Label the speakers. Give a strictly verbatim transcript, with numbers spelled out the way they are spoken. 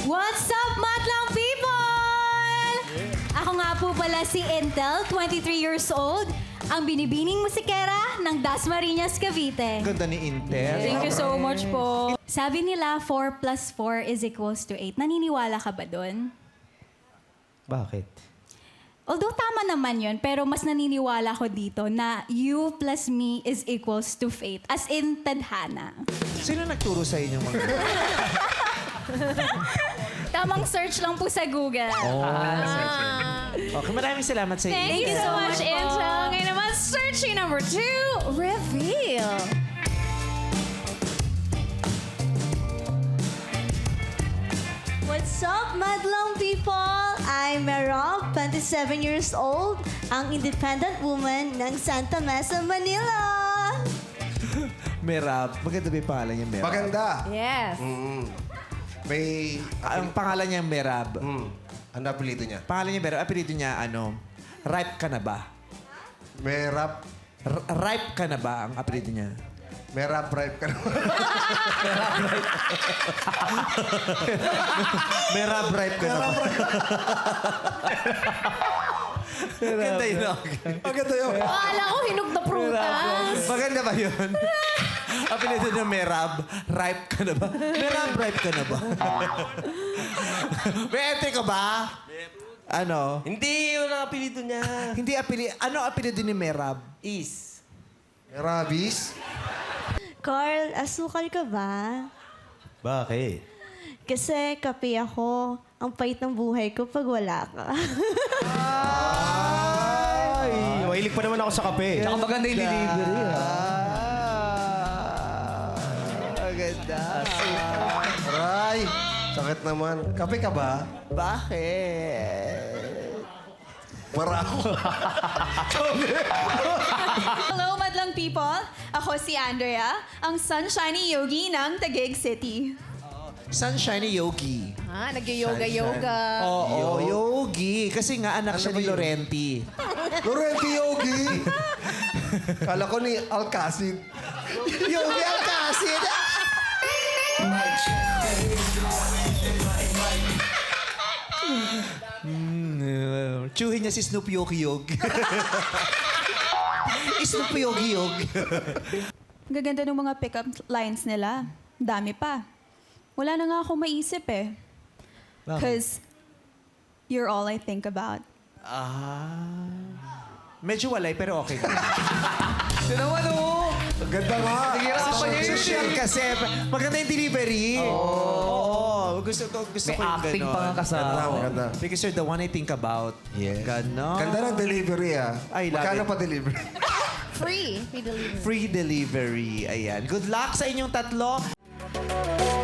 Speaker 1: What's up, madlang people? Ako nga po pala si Intel, twenty-three years old, ang binibining musikera ng Dasmariñas, Cavite.
Speaker 2: Ganda ni Intel.
Speaker 1: Thank you so much po. Sabi nila, four plus four is equals to eight. Naniniwala ka ba dun?
Speaker 2: Bakit?
Speaker 1: Although tama naman yun, pero mas naniniwala ko dito na you plus me is equals to fate. As in, tadhana.
Speaker 2: Sino nagturo sa inyo mga?
Speaker 1: Tamang search lang po sa Google.
Speaker 2: Okay, maraming salamat sa inyo.
Speaker 1: Thank you so much, Angel.
Speaker 3: Ngayon naman, searching number two, reveal.
Speaker 4: What's up, madlang people? I'm Merob, twenty-seven years old, ang independent woman ng Santa Mesa, Manila.
Speaker 2: Merab. Maganda ba yung pangalan niya, Merab?
Speaker 5: Maganda.
Speaker 3: Yes.
Speaker 5: Mm. May...
Speaker 2: Ang pangalan niya, Merab.
Speaker 5: Mm. Ano apelido niya?
Speaker 2: Pangalan niya, Merab. Apelido niya, ano, ripe ka na ba?
Speaker 5: May rap...
Speaker 2: R- ripe ka na ba ang apelido niya?
Speaker 5: May rap ripe ka naman.
Speaker 2: Merab ripe ka na ba? Maganda yun.
Speaker 5: Maganda yun.
Speaker 3: Akala ko hinog na prutas.
Speaker 2: Maganda ba yun? Apelido niya, Merab. Ripe ka na ba? Merab, ripe ka na ba? May ente ka ba? Ano?
Speaker 6: Hindi, yun ang apelido niya.
Speaker 2: Hindi apelido. Ano apelido ni Merab?
Speaker 6: Is.
Speaker 5: May rabis.
Speaker 4: Carl, asukal ka ba?
Speaker 6: Bakit?
Speaker 4: Kasi kape ako. Ang pait ng buhay ko pag wala ka.
Speaker 6: Ay, mahilig pa naman ako sa kape.
Speaker 2: Tsaka maganda yung delivery, ha? Maganda.
Speaker 5: Aray! Sakit naman. Kape ka ba?
Speaker 2: Bakit?
Speaker 5: Marako.
Speaker 3: Hello, madlang people. Ako si Andrea, ang sunshiny yogi ng Taguig City.
Speaker 2: Sunshiny Yogi.
Speaker 3: Ah, nag-yoga-yoga.
Speaker 2: Oo, Yogi. Kasi nga anak siya
Speaker 5: ba
Speaker 2: ni
Speaker 5: yun?
Speaker 2: Laurenti.
Speaker 5: Laurenti Yogi. Kala ko ni Alcacid.
Speaker 2: Yogi Alcacid! Mm, Tsuhin niya si Snoop Yogi Yogi. Snoop Yogi Yogi.
Speaker 3: Gaganda ng mga pick-up lines nila. Dami pa. Wala na nga ako maisip eh. Because you're all I think about.
Speaker 2: Ah. Medyo walay, pero okay.
Speaker 5: Sino naman, oh? Ang ganda nga.
Speaker 2: Nagirapan niya yun. Social kasi. Maganda yung delivery. Oo. Gusto ko, gusto
Speaker 7: May
Speaker 2: ko yung
Speaker 7: acting
Speaker 2: ganon.
Speaker 7: pa nga kasama.
Speaker 5: Ganda, maganda.
Speaker 2: Because you're the one I think about.
Speaker 5: Yes.
Speaker 2: Ganon.
Speaker 5: Ganda ng delivery, ah.
Speaker 2: I love
Speaker 5: Magkano
Speaker 2: it.
Speaker 5: pa delivery?
Speaker 3: Free. Free delivery.
Speaker 2: Free delivery. Ayan. Good luck sa inyong tatlo.